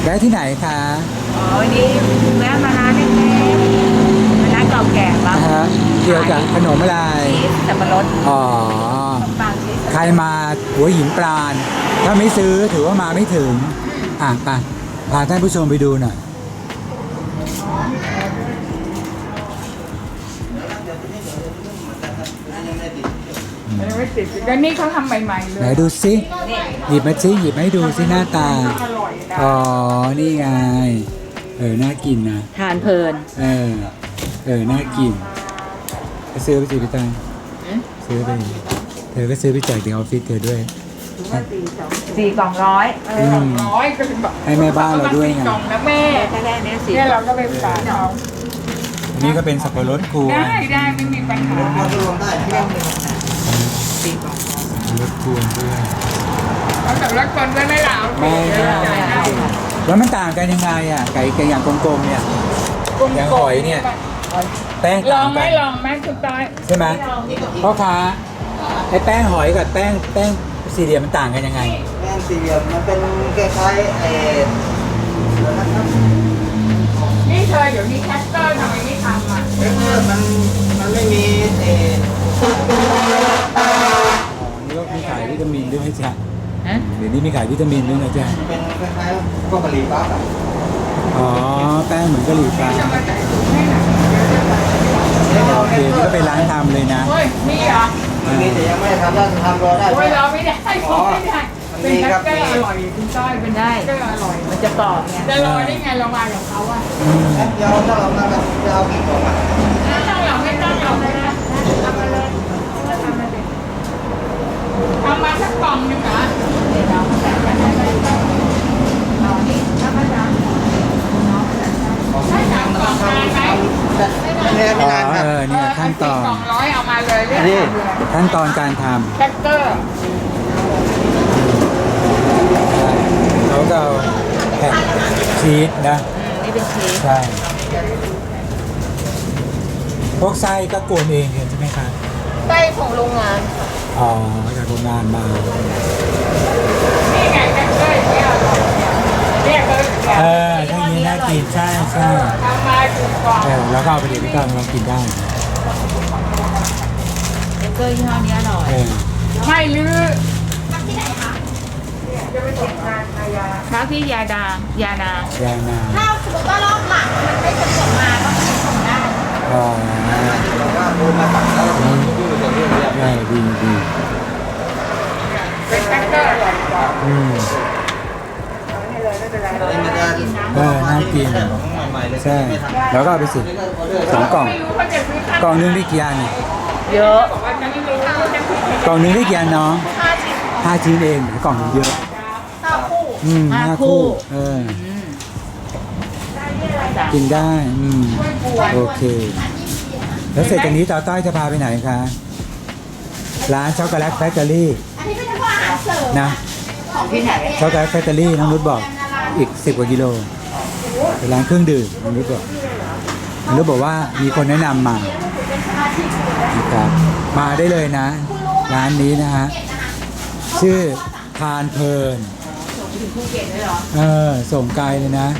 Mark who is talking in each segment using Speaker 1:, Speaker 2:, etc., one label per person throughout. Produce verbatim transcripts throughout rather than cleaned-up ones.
Speaker 1: วะที่ไหนคะ
Speaker 2: อ๋อวันนี้แวะมาร้านเล็กๆร้านเก่าแก่บ้าง
Speaker 1: นะฮะเกี่ยวกับขนมอะไร
Speaker 2: ชีสสับปะรด
Speaker 1: อ๋อ
Speaker 2: ขนมปังชีส
Speaker 1: ใครมาหัวหินปราณถ้าไม่ซื้อถือว่ามาไม่ถึง อ่ะไปพาท่านผู้ชมไปดูหน่อย
Speaker 3: ไม่ติดแล้วนี่เขาทำใหม่ๆเล
Speaker 1: ไหน
Speaker 3: ย
Speaker 1: ดูซิหยิบมาซิหยิบมาให้ดูซิหน้าตา
Speaker 3: อร่อยนะ
Speaker 1: อ๋อ นี่ไง เออ น่ากินนะ
Speaker 2: ทานเพลิน
Speaker 1: เออ เออ น่ากินไปซื้อไปสิพี่ตังซื้อไป เธอก็ซื้อไปแจกที่ออฟฟิศเธอด้วย
Speaker 2: สี่กล่องร้อย
Speaker 3: เออร้อยก็เป็นแบบ
Speaker 1: ให้แม่บ้านเราด้วยไง
Speaker 3: กล่องนะแม่
Speaker 2: ถ้าได้เนี้ยสี่
Speaker 3: เนี่ยเราก็ไปฝากเขา
Speaker 1: อันนี้ก็เป็นสับปะรดกวน
Speaker 3: ได้ได้ไม่มีปัญหา
Speaker 2: สี่กล่อง
Speaker 1: รดกวนด้วย
Speaker 3: เขาแต่ละคนก็ไม่เหลา
Speaker 1: ไม่ได้แล้วมันต่างกันยังไงอ่ะ ไก่ไก่อย่างกลมๆเนี่ย อย่างหอยเนี่ย แป้ง
Speaker 3: ลอ
Speaker 1: ต่าง ง
Speaker 3: ไหม
Speaker 1: กัน
Speaker 3: ลองไหมคุณต้อย
Speaker 1: ใช่ไหมพ่อค้าไอ้แป้งหอยกับแป้งแป้งสี่เหลี่ยมมันต่างกันยังไง
Speaker 4: แป้งสี่เหลี่ยมมันเป็นคล้ายๆเอ่อนะครับ
Speaker 3: นี่เธอเดี๋ยวนี้แคสเตอร์ทำไมไม่ทำอ่ะ
Speaker 4: เออมันมันไม่มีเอ่อ
Speaker 1: อ๋อ นี่ก็มีขายวิตามินด้วยไหมจ๊ะ
Speaker 2: ฮะ
Speaker 1: เดี๋ยวนี้มีขายวิตามินด้วยนะจ๊ะ
Speaker 4: เป็นคล้ายๆพวกกะหรี่ปั๊บอะ
Speaker 1: อ๋อ แป้งเหมือนกะหรี่ปั๊บ
Speaker 3: จะมาแต่งถุงให้หน่อย
Speaker 1: โอเค นี่ก็เป็นร้านทำเลยนะ
Speaker 3: เฮ้ยมีเหรอ
Speaker 4: มันมีแต่ยังไม่ได้ทำแล้วทำรอได้
Speaker 3: โอ้ยเราไม่ได้เราไม่ได้
Speaker 4: มัน
Speaker 3: เป็น
Speaker 4: มี
Speaker 3: แค
Speaker 4: ครั
Speaker 3: ส
Speaker 4: บ
Speaker 3: เตอร์อร่อยคุณต้อยเป็นแคสเตอร์อร่อย
Speaker 2: มันจะกรอบไง
Speaker 3: จะรอได้ไงเรามากับเขาอ่ะ
Speaker 1: อืม
Speaker 4: เดี๋ยวถ้าเรามากันจะเอากี่กล่องอะ
Speaker 3: ไม่ต้องเราไม่ต้องเราไม่ได้ทำมาเลยทำมาเลยทำมาสักกล่องหนึงเหรอ
Speaker 2: เดี๋ยวเราแต่งกันได้ไหมเอาอันนี้ถ้าไม่ได้น้องแต่งได้
Speaker 3: ให้สามกล่องมาไหม
Speaker 4: ไม่แน่ไม่
Speaker 1: อ๋อ
Speaker 4: นานครับ
Speaker 1: เออเนี่ยขั้นตอน
Speaker 3: เาสี่กล่องร้อยเอามาเลยเรียก
Speaker 4: อันนี้
Speaker 3: มาเลย
Speaker 1: ขั้นตอนการท
Speaker 3: แคสเตอร์
Speaker 1: ำเขาก็เอาแผ่นชีสนะ
Speaker 2: อืมนี่เป็นชีส
Speaker 1: ใช่ พวกไส้ก็กวนเองใช่ไหมคะ
Speaker 2: ไส้ของโรงงาน
Speaker 1: อ๋อ จากโรงงานมา
Speaker 3: นี่ไงแคสเตอร์เนี่ยอร่อยเนี่ยเรียกเลย
Speaker 1: เออถ้าอย่างนี้น่ากินใช่ใช่
Speaker 3: ทำมาสี่กล่อง
Speaker 1: เออแล้วก็เอาไปเดี๋ยวพี่ก้องลองกินได้
Speaker 2: เบเกอร์ยี่ห้อนี้อร่อย
Speaker 1: เออ
Speaker 3: ไม่ลือจะไปส่งงานมายา
Speaker 2: ค้าที่ยาดางยานาง
Speaker 1: ยาวนาน
Speaker 5: ถ้าสมมติว่ารอบหลังมันไม่สะดวกมาก็ไม่ส่งได้
Speaker 1: อ๋อ
Speaker 4: บอกว่าโทรมาสั่งแล้วเราดูเรื่องเรื่องเรื่อง
Speaker 1: ใช่ดีดี
Speaker 3: เป็นแคสเตอร์อร่อยกว่า
Speaker 1: อืม
Speaker 3: ให้เลยไม่เป็นไร
Speaker 4: อันนี้มันจะ
Speaker 1: เออน่ากิน
Speaker 4: ของใหม่ๆเลย
Speaker 1: ใช่ แล้วก็เอาไปสิสองกล่อง
Speaker 3: ไม่รู้เขาจะซื้อข้าว
Speaker 1: กล่องนึงได้กี่อัน
Speaker 2: เยอะ
Speaker 3: บอกว่าจะไม่รู้ว่าจะซื้อก
Speaker 1: ล่องนึงได้กี่อันน้อง
Speaker 5: ห้าชิ้น
Speaker 1: ห้าชิ้นเองกล่องนึงเยอะ
Speaker 5: ห้าคู่
Speaker 1: อืมห้าคู่ เออ
Speaker 2: อืม
Speaker 1: กินได้ อืม โอเค แล้วเสร็จจากนี้ต่อต้อยจะพาไปไหนคะ ร้านช็อกโกแลตแฟคทอรี่
Speaker 5: อันนี้เป็นพวกอาหารเสริม
Speaker 1: นะ
Speaker 2: ของที่ไหน
Speaker 1: ช็อกโกแลตแฟคทอรี่น้องนุชบอกอีกสิบกว่ากิโลเป็นร้านเครื่องดื่มน้องนุชบอกน้องนุชบอกว่ามีคนแนะนำมานะครับมาได้เลยนะ ร้านนี้นะฮะ ชื่อทานเพลิน
Speaker 2: ถึงภูเก็ตเลยเหรอ
Speaker 1: เออ ส่งไกลเลยนะ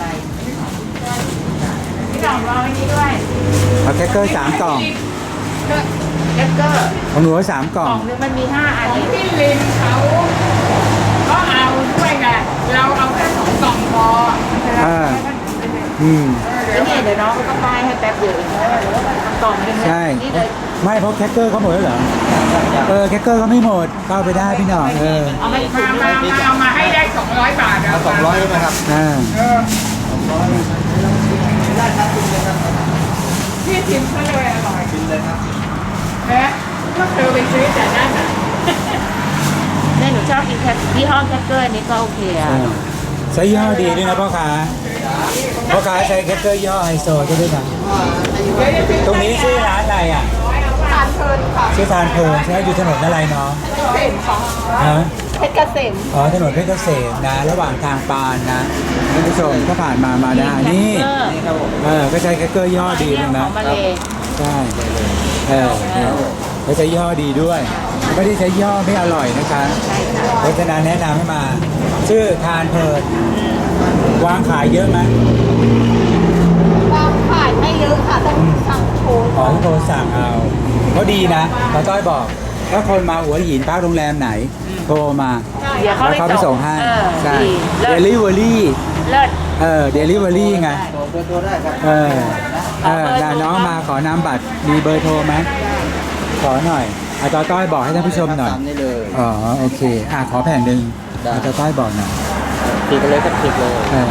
Speaker 2: พี่น้องรอไว้นี้ด้วย
Speaker 1: เอาแคคเกอร์สามกล่อง
Speaker 2: เบเกอร์
Speaker 1: ของหนูสามก
Speaker 2: ก
Speaker 1: ล่
Speaker 2: ล่
Speaker 1: อ
Speaker 2: อง งนึงมันมีห้าอัน
Speaker 3: ของ
Speaker 2: นี้
Speaker 3: พี่ลินเขาก็เอาด้วยไงเราเอาแค่สองกล่องพอ
Speaker 1: อ่า อืม
Speaker 2: แล้วเนี่ยเดี๋ยวน้องก็ป้ายให้แป๊บเดียวเองกล่องนึง
Speaker 1: ใช่
Speaker 2: นี่เลย
Speaker 1: ไม่เพราะแคคเกอร์เขาหมดแล้วเหรอ เออ แคคเกอร์เขาไม่หมดเข้าไปได้พี่หน่อยเออ
Speaker 2: เอามาอีกถุ
Speaker 3: มาง
Speaker 2: นึ
Speaker 3: มาง มาเอามาให้ได้สองร้อยบาท
Speaker 4: เอาสองร้อยใช่ไหมครับ
Speaker 1: อ่า
Speaker 3: เออ
Speaker 4: สองร้อยได้ครับคุณเลยครับ
Speaker 3: พี่ชิมก็เลยอร่อย
Speaker 4: กินเลยครับ
Speaker 3: นะก็เธอไปซื้อแต่นั่นน่ะ
Speaker 2: เนี่ยหนูชอบกินแคทยี่ห้อแคทเกอร์อันนี้ก็โอเคอ่ะ
Speaker 1: ใช้ยี่ห้อดีด้วยนะพ่อค้าพ่อค้าใช้แคคเกอร์ยี่ห้อไฮโซด้วยนะ
Speaker 3: เดี๋ยวจะซื้อ
Speaker 1: ตรงนี้ชื่อร้านอะไรอ่ะ
Speaker 5: ทานเพลินค่ะ
Speaker 1: ชื่อทานเพลินใช่ไหมอยู่ถนนอะไรเนาะ
Speaker 5: เห็นของ
Speaker 1: ฮะ
Speaker 5: เพชรเกษม
Speaker 1: อ๋อถนนเพชรเกษมนะ ระหว่างทางปานนะท่านผู้ชมก็ผ่านมามาได้นี่
Speaker 2: แคทเกอร์
Speaker 4: นี่ครับผม
Speaker 1: เออก็ใช้แคคเกอร์ยี่ห้อดีเลย
Speaker 2: ข
Speaker 1: นะ
Speaker 2: องมาเลย
Speaker 1: ใช่เออเนี่ยเขาใช้ยี่ห้อดีด้วยไม่ได้ใช้ย่อไม่อร่อยนะคะ
Speaker 3: ใช่ค่ะ
Speaker 1: เพราะฉะนั้นแนะนำให้มา ชื่อทานเพลินวางขายเยอะไหม
Speaker 5: วางขายไม่เยอะค่ะต้องสั่งโทร
Speaker 1: ขอให้โทรสั่งเอาก็ดีนะตาต้อยบอก ถ้าคนมาหัวหินพักโรงแรมไหน โทรมา
Speaker 3: เดี๋ยวเขา
Speaker 1: แล้วเขาไป
Speaker 3: ไป
Speaker 1: ส่
Speaker 3: ส่
Speaker 1: ง
Speaker 3: ง
Speaker 1: ให้
Speaker 3: เออ
Speaker 1: ใช่
Speaker 3: ดี
Speaker 1: เด
Speaker 3: เลิศ
Speaker 1: ลิเวอรี่
Speaker 3: เลิศ
Speaker 1: เออเดลิเวอรี่ไง
Speaker 4: โทรเบอร์โทรได้ครับ
Speaker 1: เออเออน่ะน้องมาขอนามบัตรมีเบอร์โทรไหมขอหน่อยอาตาต้อยบอกให้ท่านผู้ชมหน่อย
Speaker 4: ตามนี้เลย
Speaker 1: อ๋อโอเคอ่ะขอแผ่นหนึ่ง
Speaker 4: ได้
Speaker 1: อาตาต้อยบอกหน่อย
Speaker 4: คลิกเลยก็คลิกเลย
Speaker 1: เออ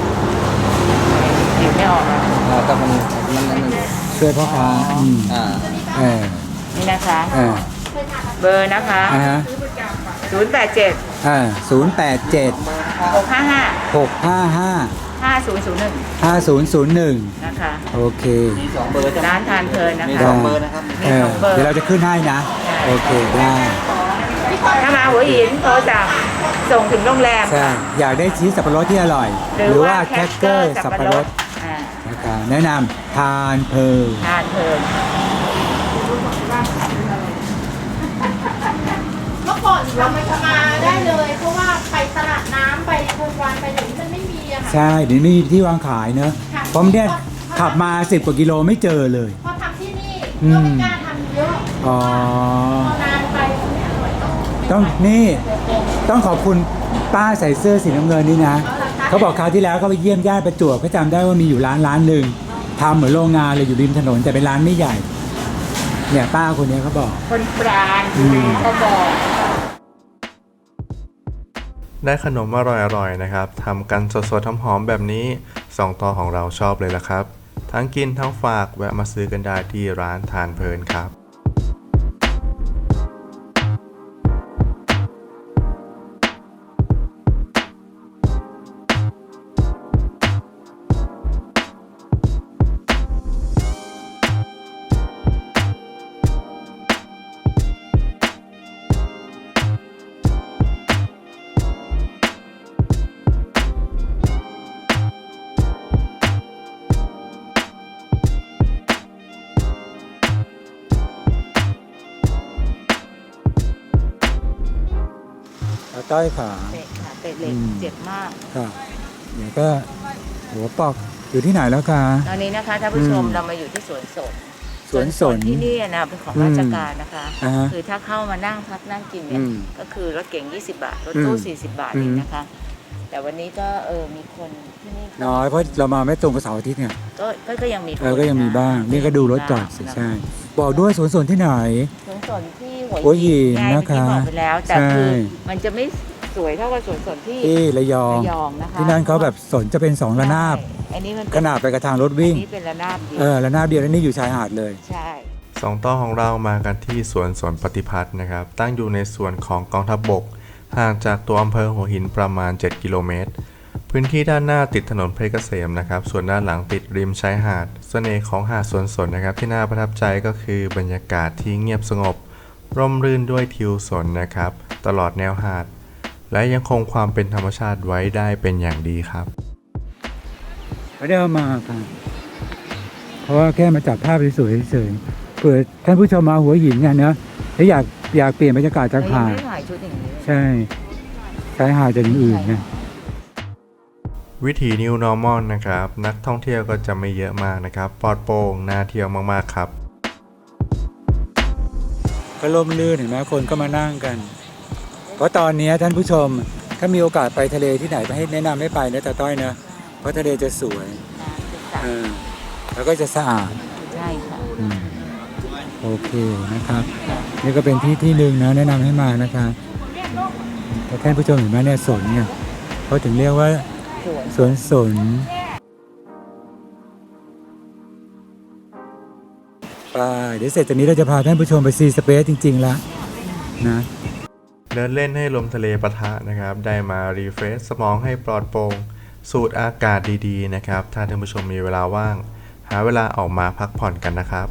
Speaker 3: หยิบไม่ออกอ่ะ
Speaker 4: อ่าแต่มันมันมัน
Speaker 1: ช่วยพ่อค้าอืม
Speaker 4: อ่า
Speaker 1: เออ
Speaker 3: นี่นะคะ
Speaker 1: เออ
Speaker 3: เบอร์นะคะ
Speaker 1: อ่าฮะ
Speaker 3: ศูนย์แปดเจ็ด
Speaker 1: อ่าศูนย์แปดเจ็ด
Speaker 3: หกห้าห้า
Speaker 1: หกห้าห้า
Speaker 3: ห้าศูนย์ศูนย์หนึ่ง
Speaker 1: ห้าศูนย์ศูนย์หนึ่ง
Speaker 3: นะคะ
Speaker 1: โอเค
Speaker 4: มีสองเบอร์จะ
Speaker 3: ร้านทานเพลินนะ
Speaker 4: มี
Speaker 3: คะ
Speaker 4: สองเบอร์นะครับ
Speaker 1: เออเดี๋ยวเราจะขึ้นให้นะ โอเคได้
Speaker 3: ถ้ามาหัวหินโทรสั่งส่งถึงโรงแรม
Speaker 1: ใช่อยากได้ชีสสับปะรดที่อร่อย หรือว่าแคคเกอร์สับปะรด
Speaker 3: อ่า
Speaker 1: นะครับแนะนำทานเพลิน
Speaker 3: ทานเพลิน
Speaker 5: เมื่อก่อนเราไม่มาได้เลย เพราะว่าไปตลาดน้ำไปโคนวานไปอย่างนี้มันไม่มีอะค่ะ
Speaker 1: ใช่เดี๋ยวนี้มีที่วางขายเนอะ
Speaker 5: ค่ะ
Speaker 1: เพราะเนี่ยขับมาสิบกว่ากิโลไม่เจอเลย
Speaker 5: พอทำที่นี่
Speaker 1: อื
Speaker 5: ก็
Speaker 1: ม
Speaker 5: ไม่กล้าทำเยอะ
Speaker 1: อ๋อ
Speaker 5: พอนานไปมันไม่อร่อยต้อง
Speaker 1: ต้องนี่ต้องขอบคุณป้าใส่เสื้อสีน้ำเงินนี่นะ เขาบอกคราวที่แล้วเขาไปเยี่ยมญาติประจวบเขาจำได้ว่ามีอยู่ร้านร้านหนึ่งทำเหมือนโรงงานเลยอยู่ริมถนนแต่เป็นร้านไม่ใหญ่ เนี่ยป้าคนนี้เขาบอก
Speaker 3: คนปราณ
Speaker 1: อืม
Speaker 3: เขาบอก
Speaker 6: ได้ขนมอร่อยๆนะครับทำกันสดๆหอมๆแบบนี้สองต่อของเราชอบเลยละครับ ทั้งกินทั้งฝากแวะมาซื้อกันได้ที่ร้านทานเพลินครับ
Speaker 1: เอาต้อยขา
Speaker 3: เตะค่ะเตะเหล็ก
Speaker 1: อืม
Speaker 3: เจ็บมาก
Speaker 1: ค่ะเดี๋ยวก็หัวปอกอยู่ที่ไหนแล้วคะ
Speaker 3: ตอนนี้นะคะท่านผู้ชม
Speaker 1: อืม
Speaker 3: เรามาอยู่ที่สวนสน
Speaker 1: สวนสน
Speaker 3: ที่นี่นะเป็นของราชการนะคะ
Speaker 1: อ่าฮะ
Speaker 3: คือถ้าเข้ามานั่งพักนั่งกินเนี่
Speaker 1: อื
Speaker 3: ย
Speaker 1: ม
Speaker 3: ก็คือรถเก๋งยี่สิบบาทรถตู้
Speaker 1: อืม
Speaker 3: สี่สิบบาท
Speaker 1: อืม
Speaker 3: เองนะคะ แต่วันนี้ก็เออมีคนที่นี่
Speaker 1: น้อยเพราะเรามาไม่ตรงกับเสาร์อาทิตย์ไง
Speaker 3: ก็ก็ก็ยังมีคน
Speaker 1: เออก็ยังมีบ้าง
Speaker 3: ะ
Speaker 1: นี่ก็ดูรถก่อนสิ
Speaker 3: นะคะ
Speaker 1: ใช่ บอกด้วยสวนสนที่ไหน
Speaker 3: สวนสนที่หั
Speaker 1: หัวหิน
Speaker 3: ไง
Speaker 1: นะคะ
Speaker 3: เมื่อกี้บอกไปแล้ว แต่
Speaker 1: ใช่
Speaker 3: คือมันจะไม่สวยเท่ากับสวนสนที่
Speaker 1: ที่ระยอง
Speaker 3: ระยองนะคะ
Speaker 1: ที่นั่นเขาแบบสนจะเป็นสองระนาบ
Speaker 3: ใช่อันนี้มันเป็
Speaker 1: ขนาดไปกระทางรถวิ่ง
Speaker 3: อันนี้เป็นระนาบเดียว
Speaker 1: เออระนาบเดียวแล้วนี่อยู่ชายหาดเลย
Speaker 3: ใช่
Speaker 6: สองต่อของเรามากันที่สวนสนปฏิพัฒน์นะครับ ตั้งอยู่ในส่วนของกองทัพบก ห่างจากตัวอำเภอหัวหินประมาณ เจ็ด กิโลเมตร พื้นที่ด้านหน้าติดถนนเพชรเกษมนะครับ ส่วนด้านหลังติดริมชายหาด เสน่ห์ของหาดสวนสนนะครับ ที่น่าประทับใจก็คือบรรยากาศที่เงียบสงบ ร่มรื่นด้วยทิวสนนะครับ ตลอดแนวหาด และยังคงความเป็นธรรมชาติไว้ได้เป็นอย่างดีครับ
Speaker 1: ไม่ได้เอามาค่ะ เพราะว่าแค่มาจับภาพสวยๆเฉยๆเผื่อท่านผู้ชมมาหัวหินเนี่ยนะถ้าอยากอยากเปลี่ยนบรรยากาศจาก
Speaker 3: เรายัง
Speaker 1: หาด
Speaker 3: ไม่ได้ถ่ายชุดอย่างนี้เลย
Speaker 1: ใช่ชายหาดจากอย่างอื่นไง
Speaker 6: วิถี New Normal นะครับ นักท่องเที่ยวก็จะไม่เยอะมากนะครับ ปลอดโปร่งน่าเที่ยวมากๆครับ
Speaker 1: ก็ร่มรื่นเห็นไหมคนก็มานั่งกัน เพราะตอนนี้ท่านผู้ชมถ้ามีโอกาสไปทะเลที่ไหนไปให้แนะนำให้ไปนะตาต้อยนะเพราะทะเลจะสวยเออแล้วก็จะสะอาด
Speaker 3: ใช่ค่ะ
Speaker 1: อืมโอเคนะครับ นี่ก็เป็นที่ที่หนึ่งนะแนะนำให้มานะคะแต่ท่านผู้ชมเห็นไหมเนี่ยสนเนี่ยเขาถึงเรียกว่า
Speaker 3: สวน
Speaker 1: สวนสนไปเดี๋ยวเสร็จจากนี้เราจะพาท่านผู้ชมไปซีสเปซจริงๆแล้วนะ
Speaker 6: เดินเล่นให้ลมทะเลปะทะนะครับ ได้มารีเฟรชสมองให้ปลอดโปร่งสูดอากาศดีๆนะครับ ถ้าท่านผู้ชมมีเวลาว่าง หาเวลาออกมาพักผ่อนกันนะครับ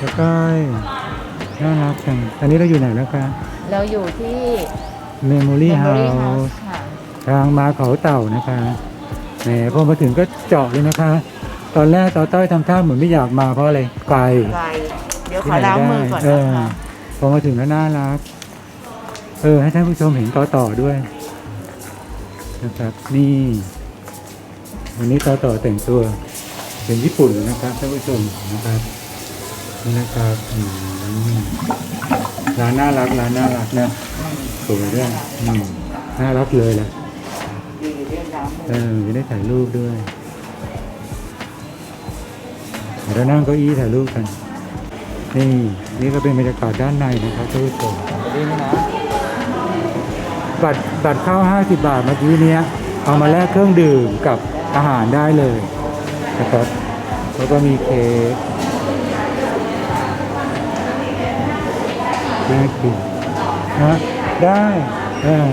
Speaker 1: ใกล้น่ารักจังตอนนี้เราอยู่ไหนแล้วคะ
Speaker 2: เราอยู่ที่
Speaker 1: Memory
Speaker 2: Memory
Speaker 1: House
Speaker 2: House ค่ะ
Speaker 1: ทางมาเขาเต่านะคะแหมพอมาถึงก็เจาะเลยนะคะ ตอนแรกต่อต้อยทำท่าเหมือนไม่อยากมาเพราะอะไรไกล
Speaker 2: ไกลเดี๋ยวขอล้างมือก่อน
Speaker 1: เอ
Speaker 2: นะ
Speaker 1: อ
Speaker 2: คะ
Speaker 1: พอมาถึงแล้วน่ารัก เออ ให้ท่านผู้ชมเห็นต่อต่อด้วยนะครับ นี่ วันนี้ต่อต่อแต่งตัวเป็นญี่ปุ่นนะครับท่านผู้ชมนะครับนี่นะครับอืมร้านน่ารักร้านน่ารักนะสวยด้วยอืมน่ารักเลยแหละเออจะได้ถ่ายรูปด้วยเดี๋ยวเรานั่งเก้าอี้ถ่ายรูปกัน นี่นี่ก็เป็นบรรยากาศด้านในนะครับท่านผู้ชมนี่นะบัตรบัตรเข้าห้าสิบบาทเมื่อกี้เนี้ยเอามาแลกเครื่องดื่มกับอาหารได้เลยนะครับแล้วก็มีเค้กน่ากินนะได้เออ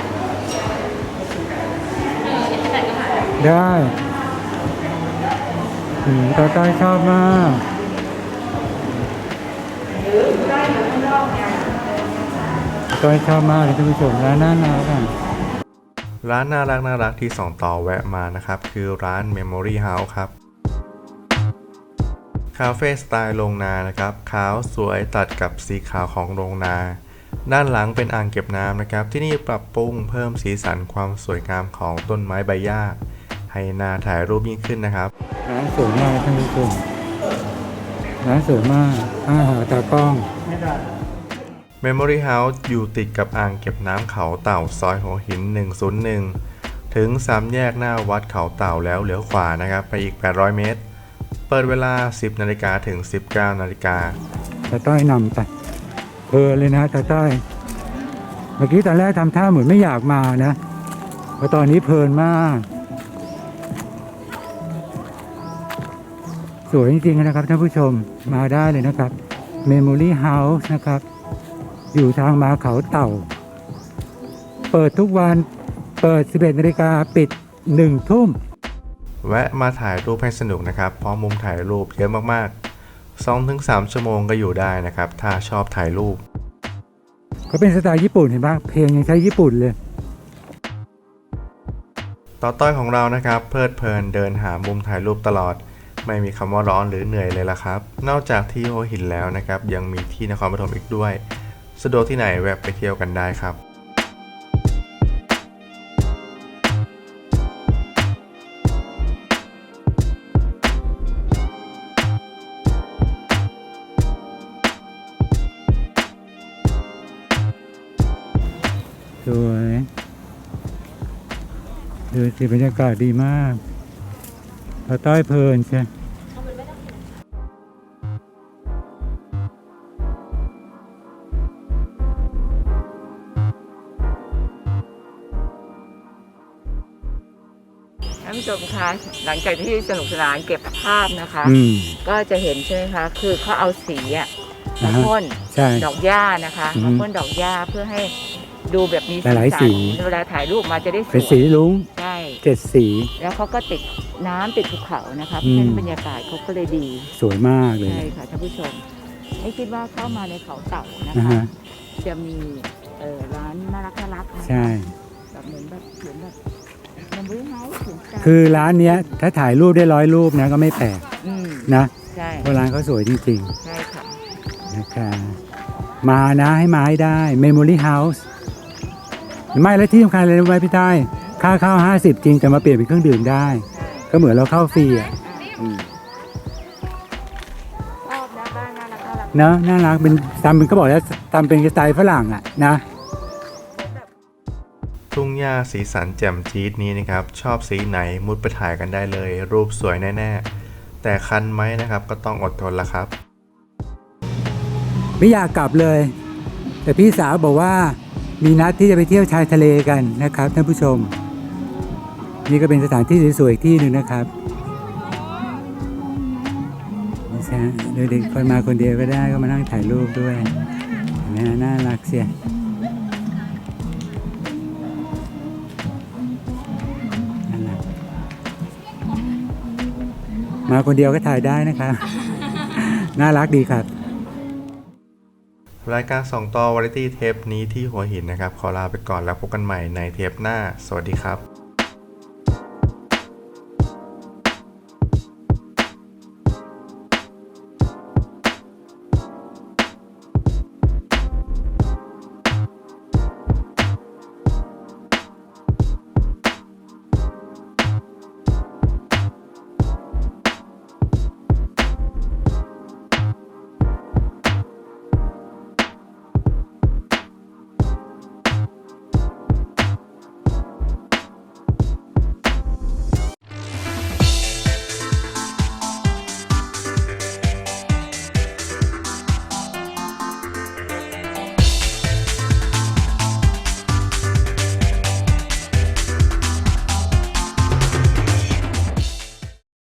Speaker 1: ได้อืมตาต้อยชอบมากตาต้อยชอบมากเลยท่านผู้ชมร้านน่ารักอ่ะ
Speaker 6: ร้านน่ารักน่ารักที่สองต่อแวะมานะครับคือร้าน Memory House ครับคาเฟ่สไตล์โรงนานะครับขาวสวยตัดกับสีขาวของโรงนาด้านหลังเป็นอ่างเก็บน้ำนะครับที่นี่ปรับปรุงเพิ่มสีสันความสวยงามของต้นไม้ใบหญ้าให้น่าถ่ายรูปยิ่งขึ้นนะครับ
Speaker 1: ร้านสวยมากท่านผู้ชมร้านสวยมากอาหารตากล้อง
Speaker 6: Memory House อยู่ติดกับอ่างเก็บน้ำเขาเต่าซอยหัวหินหนึ่งศูนย์หนึ่งถึงสามแยกหน้าวัดเขาเต่าแล้วเลี้ยวขวานะครับไปอีกแปดร้อยเมตรเปิดเวลา สิบนาฬิกาถึง สิบเก้านาฬิกา
Speaker 1: ตาต้อยนำไปเพลินเลยนะตาต้อยเมื่อกี้ตอนแรกทำท่าเหมือนไม่อยากมานะเพราะตอนนี้เพลินมากสวยจริงๆนะครับท่านผู้ชมมาได้เลยนะครับ Memory House นะครับอยู่ทางมาเขาเต่าเปิดทุกวันเปิด สิบเอ็ดนาฬิกาปิดหนึ่งทุ่ม
Speaker 6: แวะมาถ่ายรูปให้สนุกนะครับเพราะมุมถ่ายรูปเยอะมากๆ สองถึงสาม ชั่วโมงก็อยู่ได้นะครับถ้าชอบถ่ายรูป
Speaker 1: เขาเป็นสไตล์ญี่ปุ่นเห็นปะเพลงยังใช้ญี่ปุ่นเลย
Speaker 6: ต่อต้อยของเรานะครับเพลิดเพลินเดินหามุมถ่ายรูปตลอดไม่มีคำว่าร้อนหรือเหนื่อยเลยล่ะครับนอกจากที่หัวหินแล้วนะครับยังมีที่นครปฐมอีกด้วยสะดวกที่ไหนแวะไปเที่ยวกันได้ครับ
Speaker 1: สวยดูสิบรรยากาศดีมากพอต้อยเพลินใช่
Speaker 2: ท่านผู้ชมคะหลังจากที่สนุกสนานเก็บภาพนะคะ
Speaker 1: อืม
Speaker 2: ก็จะเห็นใช่ไหมคะคือเขาเอาสีอะมาพ่น
Speaker 1: ใช่
Speaker 2: ดอกหญ้านะคะ
Speaker 1: อืม
Speaker 2: มาพ่นดอกหญ้าเพื่อให้ดูแบบมี
Speaker 1: หลายๆสี
Speaker 2: สันเวลาถ่ายรูปมาจะได้สวย
Speaker 1: เป็นสีลุ้ง
Speaker 2: ใช่
Speaker 1: เจ็ดสี
Speaker 2: แล้วเขาก็ติดน้ำติดภูเขานะคะ
Speaker 1: อืม
Speaker 2: เช่นบรรยากาศเขาก็เลยดี
Speaker 1: สวยมากเลย
Speaker 2: ใช่ค่ะท่านผู้ชมไม่คิดว่าเข้ามาในเขาเต่านะ
Speaker 1: นะคะ ฮะ
Speaker 2: จะมีเอ่อร้านน่ารักน่ารักนะคะ
Speaker 1: ใช่
Speaker 2: แบบเหมือนแบบเหมือนแบบมันวิ้งเฮาส์ถึงใจ
Speaker 1: คือร้านเนี้ยถ้าถ่ายรูปได้ร้อยรูปนะก็ไม่แปลก
Speaker 2: อืม
Speaker 1: นะ
Speaker 2: ใช่
Speaker 1: เพราะร้านเขาสวยจริง
Speaker 2: ใช่ค่ะ
Speaker 1: ๆนะคะมานะให้มาให้ได้ Memory House ไม่และที่สำคัญเลยรู้ไหมพี่ใต้ค่าเข้าห้าสิบจริงแต่มาเปลี่ยนเป็นเครื่องดื่มได้ ก็เหมือนเราเข้าฟรีอ่ะอืม
Speaker 2: ชอบนะบ้านน่ารักน่ารัก
Speaker 1: เนอะน่ารักเป็นตามเป็นก็บอกแล้วตามเป็นสไตล์ฝรั่งอ่ะนะ
Speaker 6: ทุ่งหญ้าสีสันแจ่มจี๊ดนี้นะครับชอบสีไหนมุดไปถ่ายกันได้เลย รูปสวยแน่ๆแต่คันไหมนะครับก็ต้องอดทนละครับ
Speaker 1: ไม่อยากกลับเลย แต่พี่สาวบอกว่ามีนัดที่จะไปเที่ยวชายทะเลกันนะครับท่านผู้ชม นี่ก็เป็นสถานที่สวยๆอีกที่หนึ่งนะครับนี่ใช่เด็กๆคนมาคนเดียวก็ได้ก็มานั่งถ่ายรูปด้วยเห็นไหมน่ารักเสียน่ารักมาคนเดียวก็ถ่ายได้นะครับ น่ารักดีครับ
Speaker 6: รายการสองต่อวาไรตี้เทปนี้ที่หัวหินนะครับขอลาไปก่อนแล้วพบกันใหม่ในเทปหน้าสวัสดีครับ